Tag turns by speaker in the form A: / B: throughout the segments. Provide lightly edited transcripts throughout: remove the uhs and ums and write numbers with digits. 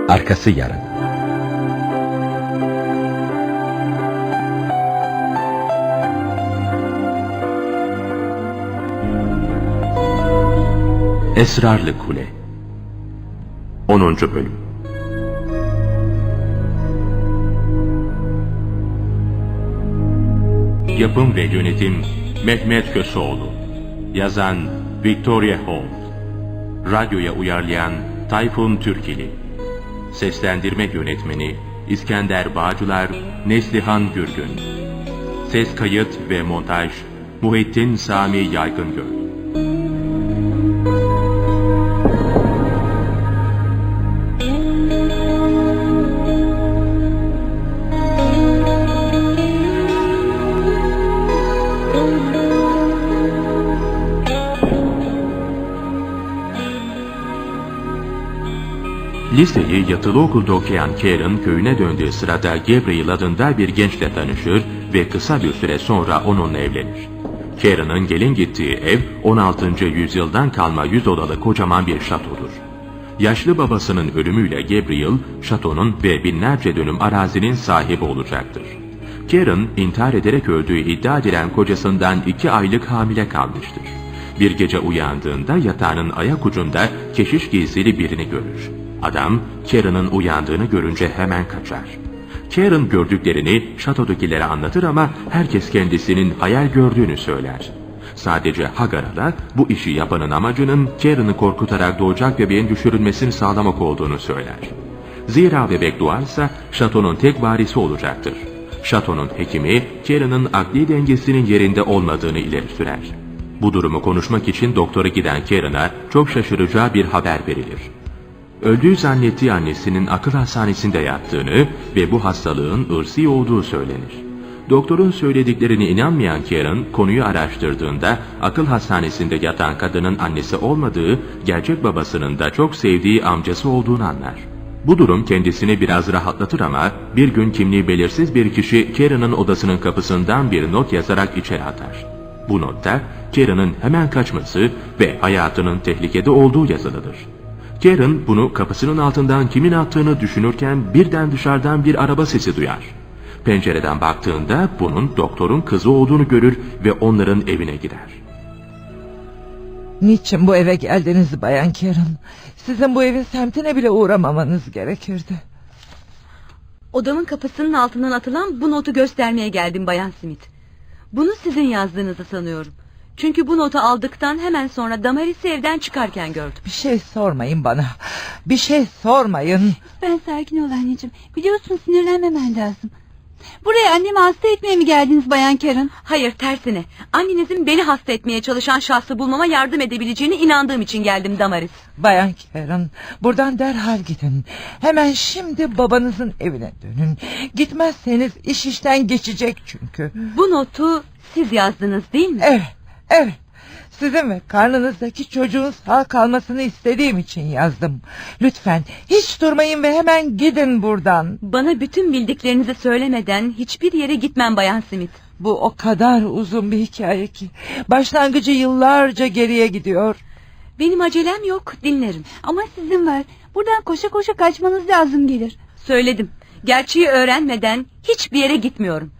A: Arkası yarın. Esrarlı Kule 10. Bölüm. Yapım ve yönetim Mehmet Köseoğlu. Yazan Victoria Holt. Radyoya uyarlayan Tayfun Türkili. Seslendirme yönetmeni İskender Bağcılar, Neslihan Gürgün. Ses kayıt ve montaj Muhittin Sami Yaygıngöl. Liseyi yatılı okulda okuyan Karen köyüne döndüğü sırada Gabriel adında bir gençle tanışır ve kısa bir süre sonra onunla evlenir. Karen'ın gelin gittiği ev 16. yüzyıldan kalma 100 odalı kocaman bir şatodur. Yaşlı babasının ölümüyle Gabriel, şatonun ve binlerce dönüm arazinin sahibi olacaktır. Karen, intihar ederek öldüğü iddia edilen kocasından 2 aylık hamile kalmıştır. Bir gece uyandığında yatağının ayak ucunda keşiş giysili birini görür. Adam, Karen'ın uyandığını görünce hemen kaçar. Karen gördüklerini şatodakilere anlatır ama herkes kendisinin hayal gördüğünü söyler. Sadece Hagar'a bu işi yapanın amacının Karen'ı korkutarak doğacak bebeğin düşürülmesini sağlamak olduğunu söyler. Zira bebek doğarsa şatonun tek varisi olacaktır. Şatonun hekimi Karen'ın akli dengesinin yerinde olmadığını ileri sürer. Bu durumu konuşmak için doktora giden Karen'a çok şaşıracağı bir haber verilir. Öldüğü zannettiği annesinin akıl hastanesinde yattığını ve bu hastalığın ırsi olduğu söylenir. Doktorun söylediklerine inanmayan Karen, konuyu araştırdığında akıl hastanesinde yatan kadının annesi olmadığı, gerçek babasının da çok sevdiği amcası olduğunu anlar. Bu durum kendisini biraz rahatlatır ama bir gün kimliği belirsiz bir kişi Karen'ın odasının kapısından bir not yazarak içeri atar. Bu notta Karen'ın hemen kaçması ve hayatının tehlikede olduğu yazılıdır. Karen bunu kapısının altından kimin attığını düşünürken birden dışarıdan bir araba sesi duyar. Pencereden baktığında bunun doktorun kızı olduğunu görür ve onların evine gider.
B: Niçin bu eve geldiniz Bayan Karen? Sizin bu evin semtine bile uğramamanız gerekirdi.
C: Odamın kapısının altından atılan bu notu göstermeye geldim Bayan Smith. Bunu sizin yazdığınızı sanıyorum. Çünkü bu notu aldıktan hemen sonra Damaris'i evden çıkarken gördüm.
B: Bir şey sormayın bana. Bir şey sormayın.
D: Ben sakin ol anneciğim. Biliyorsun sinirlenmemen lazım. Buraya annemi hasta etmeye mi geldiniz Bayan Karen?
C: Hayır, tersine. Annenizin beni hasta etmeye çalışan şahsı bulmama yardım edebileceğine inandığım için geldim Damaris.
B: Bayan Karen, buradan derhal gidin. Hemen şimdi babanızın evine dönün. Gitmezseniz iş işten geçecek çünkü.
C: Bu notu siz yazdınız değil mi?
B: Evet. Evet, sizin ve karnınızdaki çocuğun sağ kalmasını istediğim için yazdım. Lütfen hiç durmayın ve hemen gidin buradan.
C: Bana bütün bildiklerinizi söylemeden hiçbir yere gitmem Bayan Smith.
B: Bu o kadar uzun bir hikaye ki başlangıcı yıllarca geriye gidiyor.
C: Benim acelem yok, dinlerim.
D: Ama sizin var. Buradan koşa koşa kaçmanız lazım gelir.
C: Söyledim. Gerçeği öğrenmeden hiçbir yere gitmiyorum.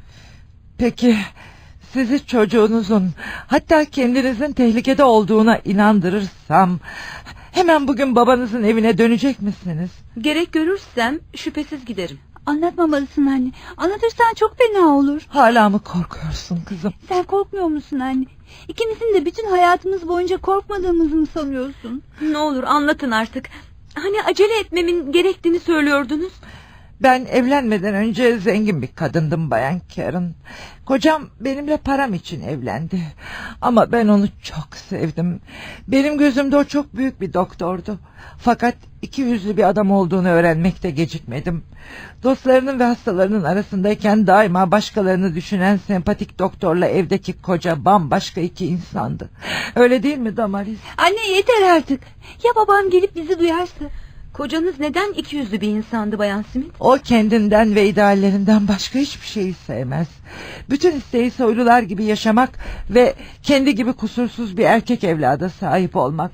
B: Peki sizi çocuğunuzun, hatta kendinizin tehlikede olduğuna inandırırsam hemen bugün babanızın evine dönecek misiniz?
C: Gerek görürsem şüphesiz giderim.
D: Anlatmamalısın anne. Anlatırsan çok fena olur.
B: Hala mı korkuyorsun kızım?
D: Sen korkmuyor musun anne? İkimizin de bütün hayatımız boyunca korkmadığımızı mı sanıyorsun?
C: Ne olur anlatın artık. Hani acele etmemin gerektiğini söylüyordunuz.
B: Ben evlenmeden önce zengin bir kadındım Bayan Karen. Kocam benimle param için evlendi. Ama ben onu çok sevdim. Benim gözümde o çok büyük bir doktordu. Fakat iki yüzlü bir adam olduğunu öğrenmekte gecikmedim. Dostlarının ve hastalarının arasındayken daima başkalarını düşünen sempatik doktorla evdeki koca bambaşka iki insandı. Öyle değil mi Damaris?
D: Anne yeter artık. Ya babam gelip bizi duyarsa?
C: Kocanız neden ikiyüzlü bir insandı Bayan Smith?
B: O kendinden ve ideallerinden başka hiçbir şeyi sevmez. Bütün isteği soylular gibi yaşamak ve kendi gibi kusursuz bir erkek evlada sahip olmaktı.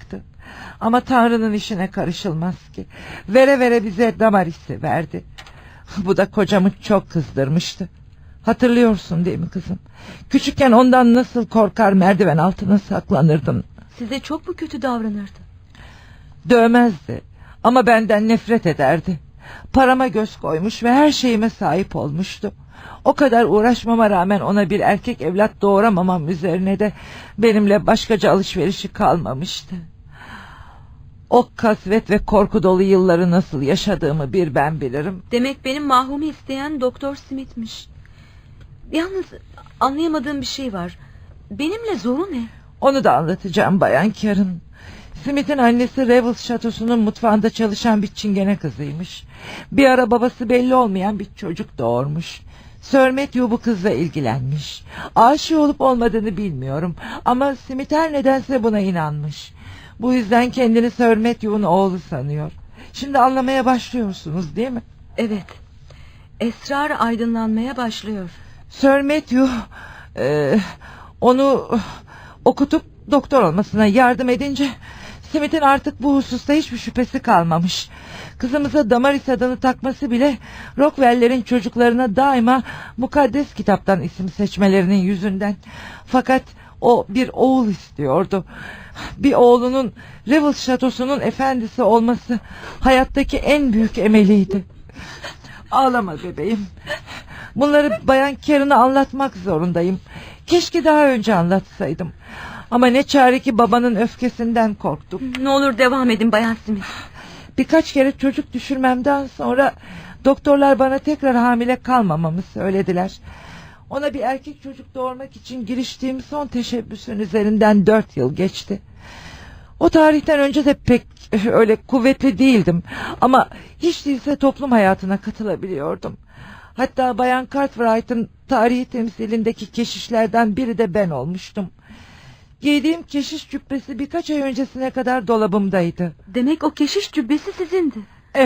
B: Ama Tanrı'nın işine karışılmaz ki. Vere vere bize Damaris'i verdi. Bu da kocamı çok kızdırmıştı. Hatırlıyorsun değil mi kızım? Küçükken ondan nasıl korkar, merdiven altına saklanırdım.
C: Size çok mu kötü davranırdı?
B: Dövmezdi ama benden nefret ederdi. Parama göz koymuş ve her şeyime sahip olmuştu. O kadar uğraşmama rağmen ona bir erkek evlat doğuramamam üzerine de benimle başkaca alışverişi kalmamıştı. O kasvet ve korku dolu yılları nasıl yaşadığımı bir ben bilirim.
C: Demek benim Mahum'u isteyen Doktor Smith'miş. Yalnız anlayamadığım bir şey var. Benimle zoru ne?
B: Onu da anlatacağım Bayan Karen. Smith'in annesi Revels şatosunun mutfağında çalışan bir çingene kızıymış. Bir ara babası belli olmayan bir çocuk doğurmuş. Sir Matthew bu kızla ilgilenmiş. Aşık olup olmadığını bilmiyorum ama Smith her nedense buna inanmış. Bu yüzden kendini Sir Matthew'un oğlu sanıyor. Şimdi anlamaya başlıyorsunuz değil mi?
C: Evet. Esrar aydınlanmaya başlıyor.
B: Sir Matthew onu okutup doktor olmasına yardım edince Smith'in artık bu hususta hiçbir şüphesi kalmamış. Kızımıza Damaris adını takması bile Rockwell'lerin çocuklarına daima mukaddes kitaptan isim seçmelerinin yüzünden. Fakat o bir oğul istiyordu. Bir oğlunun Revels şatosunun efendisi olması hayattaki en büyük emeliydi. Ağlama bebeğim. Bunları Bayan Karen'a anlatmak zorundayım. Keşke daha önce anlatsaydım. Ama ne çare ki babanın öfkesinden korktum.
C: Ne olur devam edin Bayan Smith.
B: Birkaç kere çocuk düşürmemden sonra doktorlar bana tekrar hamile kalmamamı söylediler. Ona bir erkek çocuk doğurmak için giriştiğim son teşebbüsün üzerinden 4 yıl geçti. O tarihten önce de pek öyle kuvvetli değildim. Ama hiç değilse toplum hayatına katılabiliyordum. Hatta Bayan Cartwright'ın tarihi temsilindeki keşişlerden biri de ben olmuştum. Giydiğim keşiş cübbesi birkaç ay öncesine kadar dolabımdaydı.
C: Demek o keşiş cübbesi sizindi.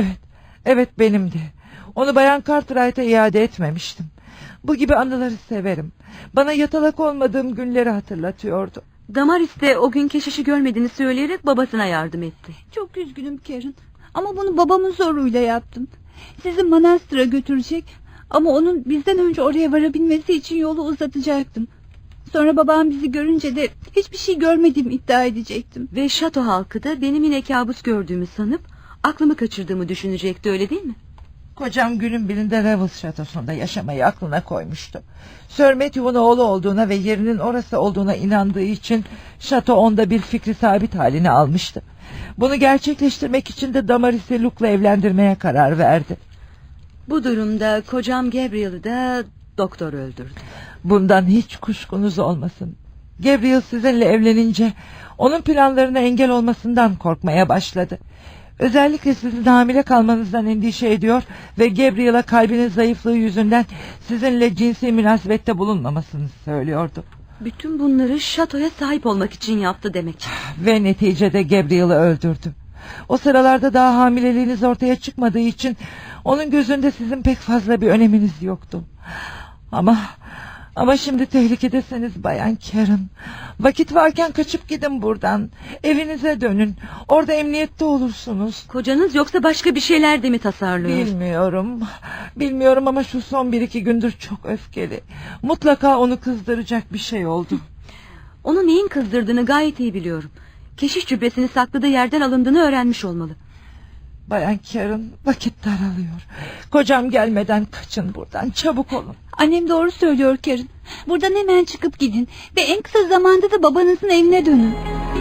B: Evet benimdi. Onu Bayan Cartwright'a iade etmemiştim. Bu gibi anıları severim. Bana yatalak olmadığım günleri hatırlatıyordu.
C: Damaris de o gün keşişi görmediğini söyleyerek babasına yardım etti.
D: Çok üzgünüm Karen. Ama bunu babamın zoruyla yaptım. Sizi manastıra götürecek ama onun bizden önce oraya varabilmesi için yolu uzatacaktım. Sonra babam bizi görünce de hiçbir şey görmediğimi iddia edecektim.
C: Ve şato halkı da benim yine kabus gördüğümü sanıp aklımı kaçırdığımı düşünecekti, öyle değil mi?
B: Kocam günün birinde Revels şatosunda yaşamayı aklına koymuştu. Sir Matthew'un oğlu olduğuna ve yerinin orası olduğuna inandığı için şato onda bir fikri sabit halini almıştı. Bunu gerçekleştirmek için de Damaris'i Luke'la evlendirmeye karar verdi.
C: Bu durumda kocam Gabriel'ı da doktor öldürdü.
B: Bundan hiç kuşkunuz olmasın. Gabriel sizinle evlenince onun planlarına engel olmasından korkmaya başladı. Özellikle sizin hamile kalmanızdan endişe ediyor ve Gabriel'a kalbinin zayıflığı yüzünden sizinle cinsi münasebette bulunmamasını söylüyordu.
C: Bütün bunları şatoya sahip olmak için yaptı demek.
B: Ve neticede Gabriel'ı öldürdü. O sıralarda daha hamileliğiniz ortaya çıkmadığı için onun gözünde sizin pek fazla bir öneminiz yoktu. Ama şimdi tehlikedesiniz Bayan Karen. Vakit varken kaçıp gidin buradan. Evinize dönün. Orada emniyette olursunuz.
C: Kocanız yoksa başka bir şeyler de mi tasarlıyor?
B: Bilmiyorum ama şu son 1-2 gündür çok öfkeli. Mutlaka onu kızdıracak bir şey oldu.
C: Onu neyin kızdırdığını gayet iyi biliyorum. Keşiş cübbesini sakladığı yerden alındığını öğrenmiş olmalı.
B: Bayan Karen, vakit daralıyor. Kocam gelmeden kaçın buradan, çabuk olun.
D: Annem doğru söylüyor Karen. Buradan hemen çıkıp gidin ve en kısa zamanda da babanızın evine dönün.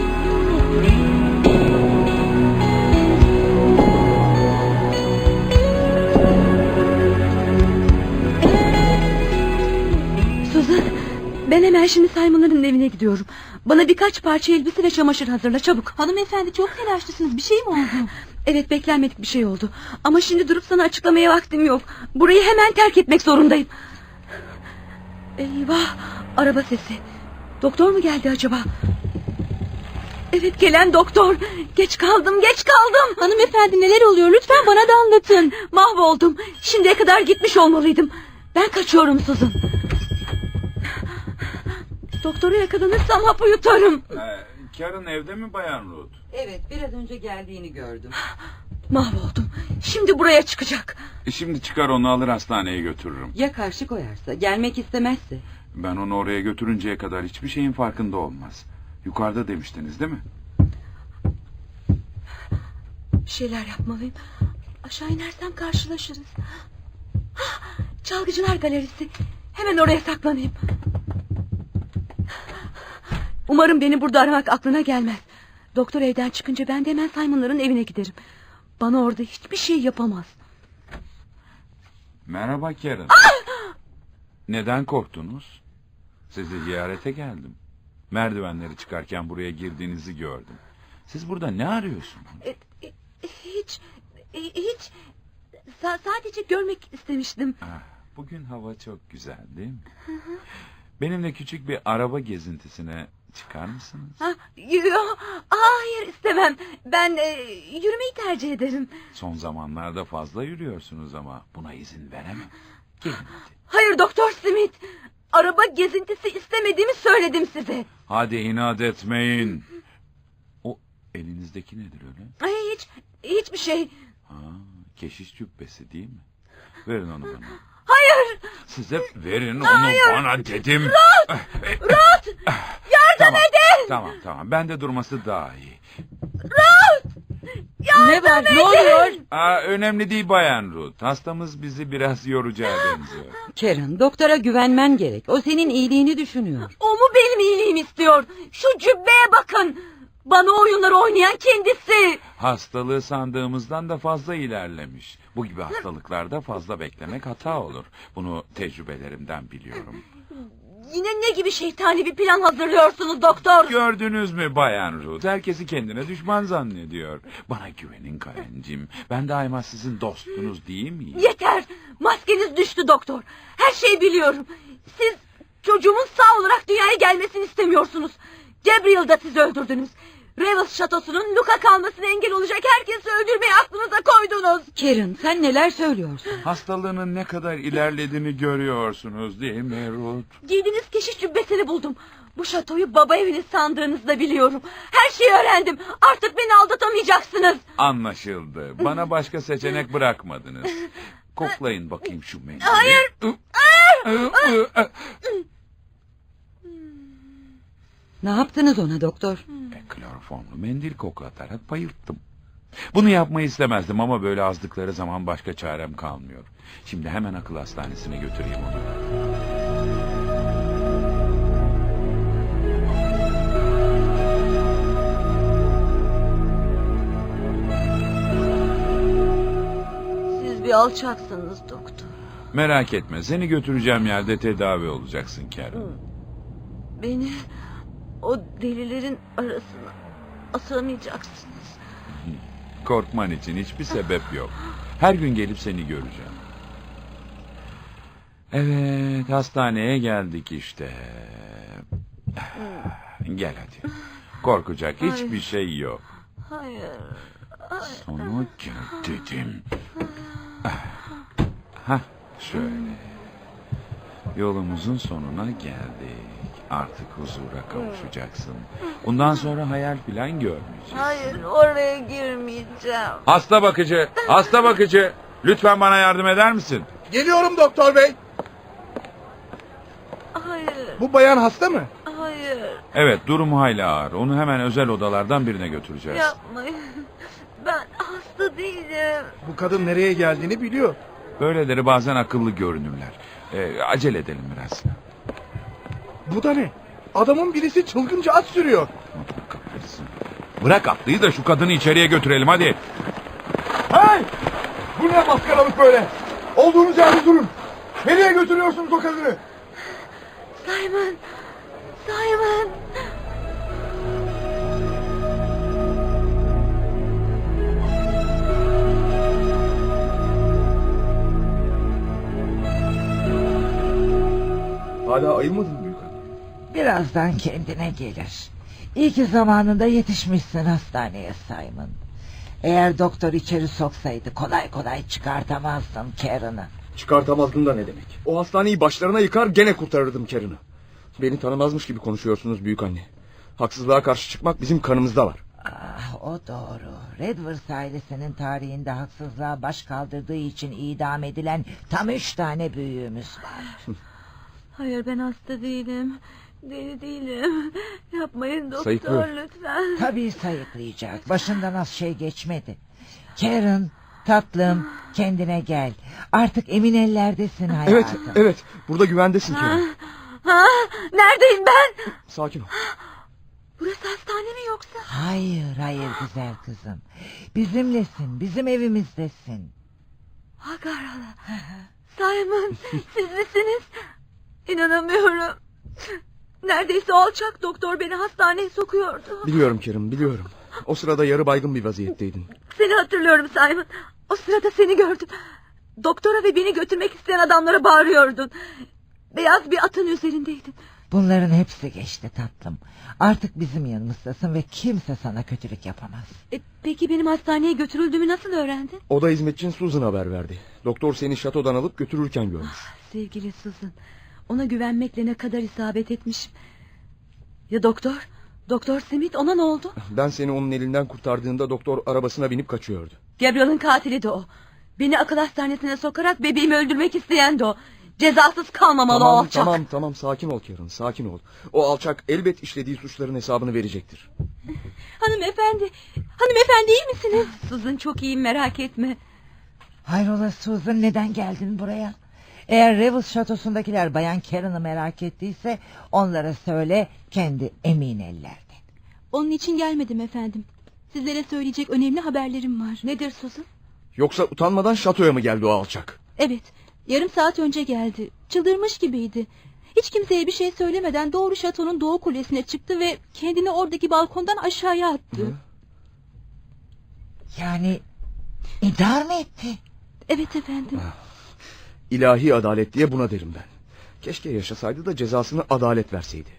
C: Susan, ben hemen şimdi Simon'ların evine gidiyorum. Bana birkaç parça elbise ve çamaşır hazırla, çabuk.
D: Hanımefendi, çok telaşlısınız, bir şey mi oldu?
C: Evet, beklenmedik bir şey oldu. Ama şimdi durup sana açıklamaya vaktim yok. Burayı hemen terk etmek zorundayım. Eyvah, araba sesi. Doktor mu geldi acaba? Evet, gelen doktor. Geç kaldım.
D: Hanımefendi, neler oluyor, lütfen bana da anlatın.
C: Mahvoldum. Şimdiye kadar gitmiş olmalıydım. Ben kaçıyorum Susan. Doktora yakalanırsam hapı yutarım.
E: Karen evde mi Bayan Ruth?
F: Evet, biraz önce geldiğini gördüm.
C: Mahvoldum. Şimdi buraya çıkacak.
E: Şimdi çıkar onu alır hastaneye götürürüm.
F: Ya karşı koyarsa, gelmek istemezse?
E: Ben onu oraya götürünceye kadar hiçbir şeyin farkında olmaz. Yukarıda demiştiniz değil mi?
C: Bir şeyler yapmalıyım. Aşağı inersem karşılaşırız. Çalgıcılar galerisi. Hemen oraya saklanayım. Umarım beni burada aramak aklına gelmez. Doktor evden çıkınca ben de hemen Simon'ların evine giderim. Bana orada hiçbir şey yapamaz.
E: Merhaba Karen. Neden korktunuz? Sizi ziyarete geldim. Merdivenleri çıkarken buraya girdiğinizi gördüm. Siz burada ne arıyorsunuz?
C: Hiç. Sadece görmek istemiştim.
E: Bugün hava çok güzel değil mi? Benimle küçük bir araba gezintisine çıkar mısınız?
C: Hayır, istemem. Ben yürümeyi tercih ederim.
E: Son zamanlarda fazla yürüyorsunuz ama buna izin veremem. Gelin hadi.
C: Hayır Doktor Smith. Araba gezintisi istemediğimi söyledim size.
E: Hadi inat etmeyin. O elinizdeki nedir öyle?
C: Hiçbir şey.
E: Keşiş cübbesi değil mi? Verin onu bana.
C: Hayır.
E: Size verin onu bana dedim.
C: Ruth! Yardım edin!
E: Tamam. Ben de durması daha iyi.
F: Ne var, ne oluyor?
E: Önemli değil Bayan Ruth. Hastamız bizi biraz yoracağı benziyor.
F: Karen, doktora güvenmen gerek. O senin iyiliğini düşünüyor.
C: O mu benim iyiliğimi istiyor? Şu cübbeye bakın. Bana oyunları oynayan kendisi.
E: Hastalığı sandığımızdan da fazla ilerlemiş. Bu gibi hastalıklarda fazla beklemek hata olur. Bunu tecrübelerimden biliyorum.
C: Yine ne gibi şeytani bir plan hazırlıyorsunuz doktor?
E: Gördünüz mü Bayan Ruth? Herkesi kendine düşman zannediyor. Bana güvenin Karencim. Ben daima sizin dostunuz değil miyim?
C: Yeter. Maskeniz düştü doktor. Her şeyi biliyorum. Siz çocuğumun sağ olarak dünyaya gelmesini istemiyorsunuz. Gabriel'da siz öldürdünüz. Revels şatosunun Luka kalmasına engel olacak herkesi öldürmeyi aklınıza koydunuz.
F: Karen, sen neler söylüyorsun?
E: Hastalığının ne kadar ilerlediğini görüyorsunuz değil mi Ruth?
C: Giydiğiniz keşiş cübbesini buldum. Bu şatoyu baba eviniz sandığınızı da biliyorum. Her şeyi öğrendim. Artık beni aldatamayacaksınız.
E: Anlaşıldı. Bana başka seçenek bırakmadınız. Koklayın bakayım şu mendili.
C: Hayır.
F: Ne yaptınız ona doktor?
E: Kloroformlu mendil koklatarak bayılttım. Bunu yapmayı istemezdim ama böyle azdıkları zaman başka çarem kalmıyor. Şimdi hemen akıl hastanesine götüreyim onu.
C: Siz bir alçaksınız doktor.
E: Merak etme, seni götüreceğim yerde tedavi olacaksın Karen.
C: Beni o delilerin arasına asamayacaksınız.
E: Korkman için hiçbir sebep yok. Her gün gelip seni göreceğim. Evet, hastaneye geldik işte. Gel hadi. Korkacak hiçbir şey yok.
C: Hayır.
E: Sana gel dedim. Şöyle. Yolumuzun sonuna geldik. Artık huzura kavuşacaksın. Bundan sonra hayal falan görmeyeceksin.
C: Hayır, oraya girmeyeceğim.
E: Hasta bakıcı. Lütfen bana yardım eder misin?
G: Geliyorum doktor bey.
C: Hayır,
G: Bu bayan hasta mı?
C: hayır.
E: Evet, durumu hayli ağır. Onu hemen özel odalardan birine götüreceğiz.
C: Yapmayın. Ben hasta değilim.
G: Bu kadın nereye geldiğini biliyor.
E: Böyleleri bazen akıllı görünürler. Acele edelim biraz.
G: Bu da ne? Adamın birisi çılgınca at sürüyor.
E: Kahretsin. Bırak atlıyı da şu kadını içeriye götürelim hadi.
G: Hey! Bu ne maskaralık böyle? Olduğunuz yerde durun. Nereye götürüyorsunuz o kadını?
C: Simon. Simon.
G: Hala ayılmadın büyük hanım.
B: Birazdan kendine gelir. İyi ki zamanında yetişmişsin hastaneye Simon. Eğer doktor içeri soksaydı kolay kolay çıkartamazdın Karen'ı.
G: Çıkartamazdın da ne demek? O hastaneyi başlarına yıkar gene kurtarırdım Karen'ı. Beni tanımazmış gibi konuşuyorsunuz büyük anne. Haksızlığa karşı çıkmak bizim kanımızda var.
B: Ah, o doğru. Redwoods ailesinin tarihinde haksızlığa baş kaldırdığı için idam edilen tam 3 tane büyüğümüz var.
C: Hayır, ben hasta değilim. Deli değilim. Yapmayın doktor,
G: Sayıklıyor.
C: lütfen.
B: Tabii sayıklayacak. Başından az şey geçmedi. Karen, tatlım, kendine gel. Artık emin ellerdesin hayatım.
G: Evet. Burada güvendesin Karen.
C: Neredeyim ben?
G: Sakin ol.
C: Burası hastane mi yoksa?
B: Hayır güzel kızım. Bizimlesin, bizim evimizdesin.
C: Hagarala. Simon, siz misiniz? İnanamıyorum. Neredeyse o alçak doktor beni hastaneye sokuyordu.
G: Biliyorum Karen, biliyorum. O sırada yarı baygın bir vaziyetteydin.
C: Seni hatırlıyorum Simon. O sırada seni gördüm. Doktora ve beni götürmek isteyen adamlara bağırıyordun. Beyaz bir atın üzerindeydin.
B: Bunların hepsi geçti tatlım. Artık bizim yanımızdasın ve kimse sana kötülük yapamaz.
C: Peki benim hastaneye götürüldüğümü nasıl öğrendin?
G: Oda hizmetçin Susan haber verdi. Doktor seni şatodan alıp götürürken görmüş.
C: Sevgili Susan, ona güvenmekle ne kadar isabet etmişim. Ya doktor? Doktor Smith, ona ne oldu?
G: Ben seni onun elinden kurtardığında doktor arabasına binip kaçıyordu.
C: Gabriel'ın katili de o. Beni akıl hastanesine sokarak bebeğimi öldürmek isteyen de o. Cezasız kalmamalı o alçak.
G: Tamam sakin ol Karen, sakin ol. O alçak elbet işlediği suçların hesabını verecektir.
C: Hanımefendi iyi misiniz? Susan, çok iyiyim, merak etme.
B: Hayrola Susan, neden geldin buraya? Eğer Revels şatosundakiler Bayan Karen'ı merak ettiyse onlara söyle, kendi emin ellerde.
D: Onun için gelmedim efendim. Sizlere söyleyecek önemli haberlerim var.
C: Nedir Susan?
G: Yoksa utanmadan şatoya mı geldi o alçak?
D: Evet, yarım saat önce geldi. Çıldırmış gibiydi. Hiç kimseye bir şey söylemeden doğru şatonun doğu kulesine çıktı ve kendini oradaki balkondan aşağıya attı.
B: Yani intihar mı etti?
D: Evet efendim.
G: İlahi adalet diye buna derim ben. Keşke yaşasaydı da cezasını adalet verseydi.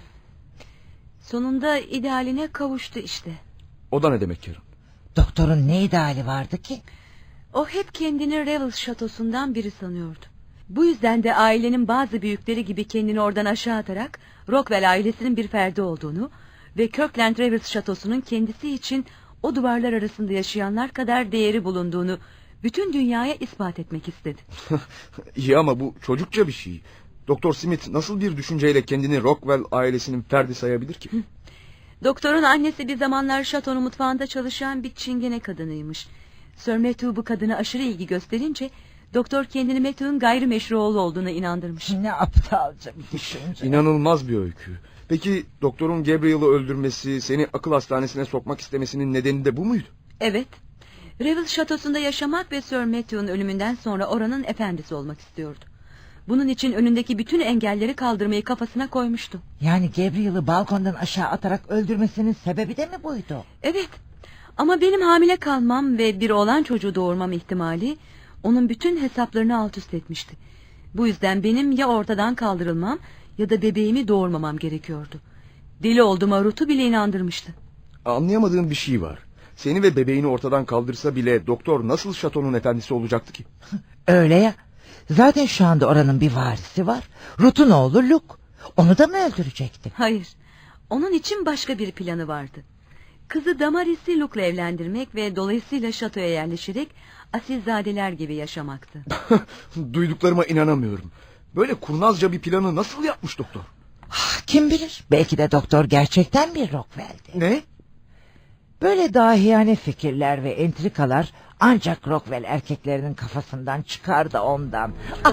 C: Sonunda idealine kavuştu işte.
G: O da ne demek Karen?
B: Doktorun ne ideali vardı ki?
C: O hep kendini Revels şatosundan biri sanıyordu. Bu yüzden de ailenin bazı büyükleri gibi kendini oradan aşağı atarak Rockwell ailesinin bir ferdi olduğunu ve Kirkland Revels şatosunun kendisi için o duvarlar arasında yaşayanlar kadar değeri bulunduğunu bütün dünyaya ispat etmek istedi.
G: İyi ama bu çocukça bir şey. Doktor Smith nasıl bir düşünceyle kendini Rockwell ailesinin ferdi sayabilir ki?
C: Doktorun annesi bir zamanlar şatonun mutfağında çalışan bir çingene kadınıymış. Sir Matthew bu kadına aşırı ilgi gösterince doktor kendini Matthew'un gayrimeşru oğlu olduğuna inandırmış.
B: Ne aptalca bir düşünce.
G: İnanılmaz bir öykü. Peki doktorun Gabriel'ı öldürmesi, seni akıl hastanesine sokmak istemesinin nedeni de bu muydu?
C: Evet. Revels şatosunda yaşamak ve Sir Matthew'un ölümünden sonra oranın efendisi olmak istiyordu. Bunun için önündeki bütün engelleri kaldırmayı kafasına koymuştu.
B: Yani Gabriel'ı balkondan aşağı atarak öldürmesinin sebebi de mi buydu?
C: Evet. Ama benim hamile kalmam ve bir oğlan çocuğu doğurmam ihtimali onun bütün hesaplarını alt üst etmişti. Bu yüzden benim ya ortadan kaldırılmam ya da bebeğimi doğurmamam gerekiyordu. Deli olduğuma Ruth'u bile inandırmıştı.
G: Anlayamadığım bir şey var. Seni ve bebeğini ortadan kaldırsa bile doktor nasıl şatonun efendisi olacaktı ki?
B: Öyle ya. Zaten şu anda oranın bir varisi var. Ruth'un oğlu Luke. Onu da mı öldürecekti?
C: Hayır. Onun için başka bir planı vardı. Kızı Damaris'i Luke'la evlendirmek ve dolayısıyla şatoya yerleşerek asilzadeler gibi yaşamaktı.
G: Duyduklarıma inanamıyorum. Böyle kurnazca bir planı nasıl yapmış doktor?
B: Kim bilir? Belki de doktor gerçekten bir Rockwell'di.
G: Ne?
B: Böyle dahiyane fikirler ve entrikalar ancak Rockwell erkeklerinin kafasından çıkar da ondan.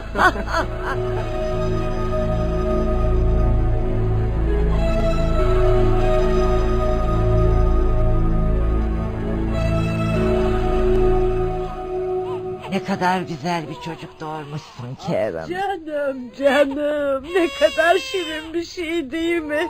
B: Ne kadar güzel bir çocuk doğurmuşsun Karen.
H: Canım ne kadar şirin bir şey değil mi?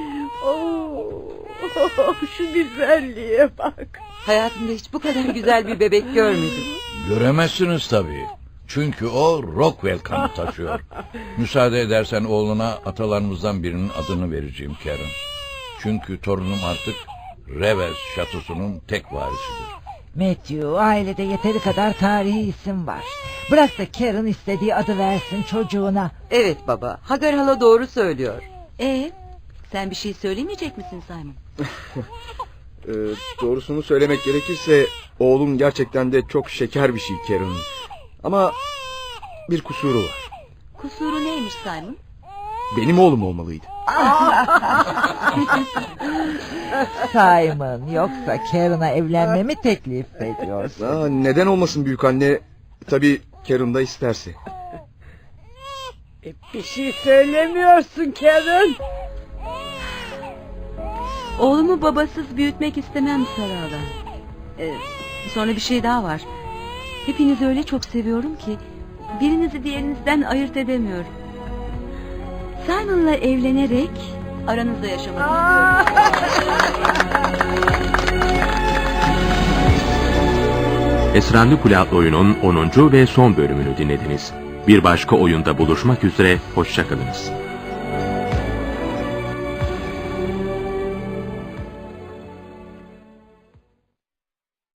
H: Şu güzelliğe bak.
F: Hayatımda hiç bu kadar güzel bir bebek görmedim.
I: Göremezsiniz tabii. Çünkü o Rockwell kanı taşıyor. Müsaade edersen oğluna atalarımızdan birinin adını vereceğim Karen. Çünkü torunum artık Revels şatosunun tek varisidir.
B: Matthew, ailede yeteri kadar tarihi isim var. Bırak da Karen istediği adı versin çocuğuna.
F: Evet baba, Hagar hala doğru söylüyor.
C: Sen bir şey söylemeyecek misin Simon?
G: Doğrusunu söylemek gerekirse oğlum gerçekten de çok şeker bir şey Karen. Ama bir kusuru var.
C: Kusuru neymiş Simon?
G: Benim oğlum olmalıydı.
B: Simon, yoksa Karen'a evlenmemi teklif ediyorsun?
G: Neden olmasın büyük anne? Tabii Karen da isterse.
H: Bir şey söylemiyorsun Karen.
C: Oğlumu babasız büyütmek istemem Sarala. Sonra bir şey daha var. Hepinizi öyle çok seviyorum ki birinizi diğerinizden ayırt edemiyorum. Simon'la evlenerek aranızda yaşamak istiyorum.
A: Esrarlı Kule adlı oyunun 10. ve son bölümünü dinlediniz. Bir başka oyunda buluşmak üzere, hoşçakalınız.